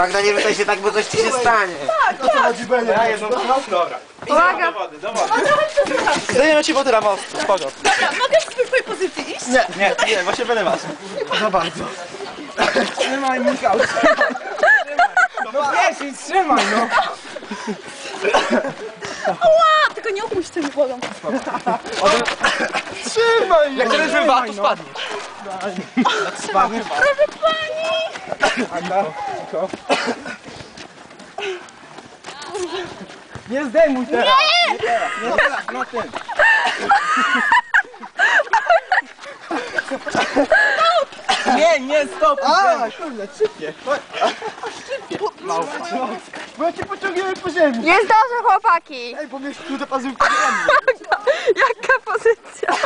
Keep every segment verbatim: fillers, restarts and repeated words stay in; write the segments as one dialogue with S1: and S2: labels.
S1: Magda, nie rzucaj się tak, bo coś ci się stanie.
S2: Tak, o co chodzi, Benie? Ja jedną dobra.
S3: Uwaga!
S2: Do wody, do wody. Zdejmę ci wodę na most, spoko.
S3: Dobra, mogę w twojej pozycji iść?
S2: Nie, nie, nie, właśnie będę was. Za bardzo. Trzymaj, Michał, trzymaj. No wiesz, trzymaj, no.
S3: Ała! Tylko nie opuść tym wodą.
S2: Trzymaj! Jak teraz bym to spadnie. Spadnie.
S3: Proszę pani!
S2: Anda, cicho. Nie zdejmuj teraz! Nie! Nie teraz, nie teraz, na tym. Nie, nie, stop! A, kurde, szybkie. Szybkie. Małpa. Bo ja cię pociągniemy po ziemi.
S3: Jest dobrze, chłopaki!
S2: Ej, bo mnie tu te pazurki
S3: Jaka pozycja?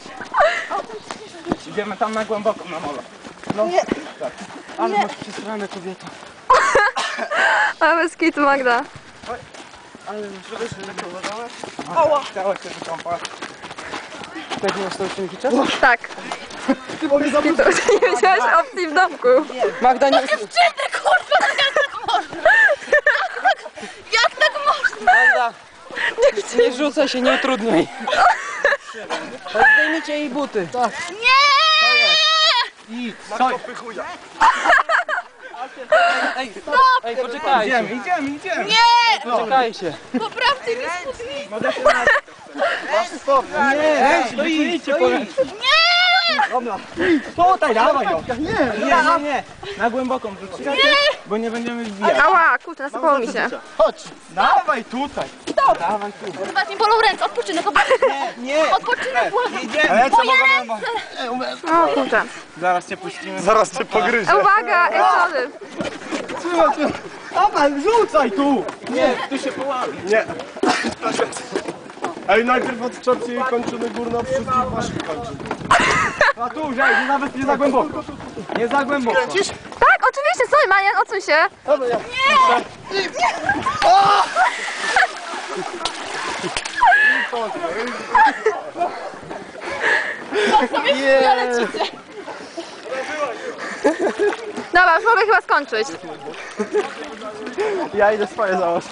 S2: Idziemy tam na głęboko, na molo. No, nie. Tak. Ale masz przesrane, kobieta.
S3: Ale bez kitu, Magda.
S2: Ale masz przesrane, kobieta. Ała! Chciałaś się wykąpać. Tak nie masz to uczynniczas?
S3: Tak.
S2: Ty bo mnie
S3: Kitu, nie wziąłeś opcji w domku.
S2: Magda, nie...
S3: Dziewczyny, kurwa, no jak tak można? Jak tak można?
S2: Magda! Nie, nie rzucaj się, nie utrudniaj. Zdejmijcie jej buty. Tak.
S3: Nie!
S2: I co? Ej, ej, poczekajcie. Idziemy, idziemy, idziemy.
S3: Nie!
S2: Poczekajcie.
S3: Poprawcie mi spódnicę.
S2: Mogę się na... Stop. Nie, stoicie, stoicie.
S3: Nie!
S2: Dobra. Tutaj, dawaj ją. Nie, nie, nie, nie. Na głęboką wrzucić. Bo nie będziemy wbijać.
S3: Ała, kurczę, nasypało mi się.
S2: Chodź. Dawaj tutaj. Stop. Dawaj tu.
S3: Chyba mi bolą ręce, odpoczynek, odpoczynek.
S2: Nie, nie.
S3: Odpoczynek, błagam.
S2: Idziemy. Ale co mogę?
S3: O kurczę.
S2: Zaraz cię puścimy. Zaraz cię pogryzę.
S3: E, Uwaga, ej, sorry.
S2: Trzymaj się. Dawaj, rzucaj tu. Nie, tu się połamie. Nie.
S4: Ej, najpierw odczepcie jej kończyny górne od wszystkich waszych kończyn.
S2: A tu, żej, nawet nie za głęboko. Nie za głęboko.
S4: Kręcisz?
S3: Tak, oczywiście, sorry, Marian, odsuń się.
S4: Dobra, ja.
S3: Dobra, już mogę chyba skończyć.
S2: Ja idę swoje założyć.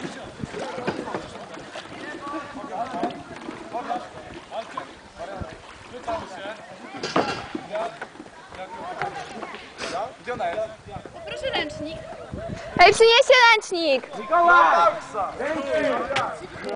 S3: Proszę ręcznik. Ej, przynieście ręcznik.
S2: Mikołaj!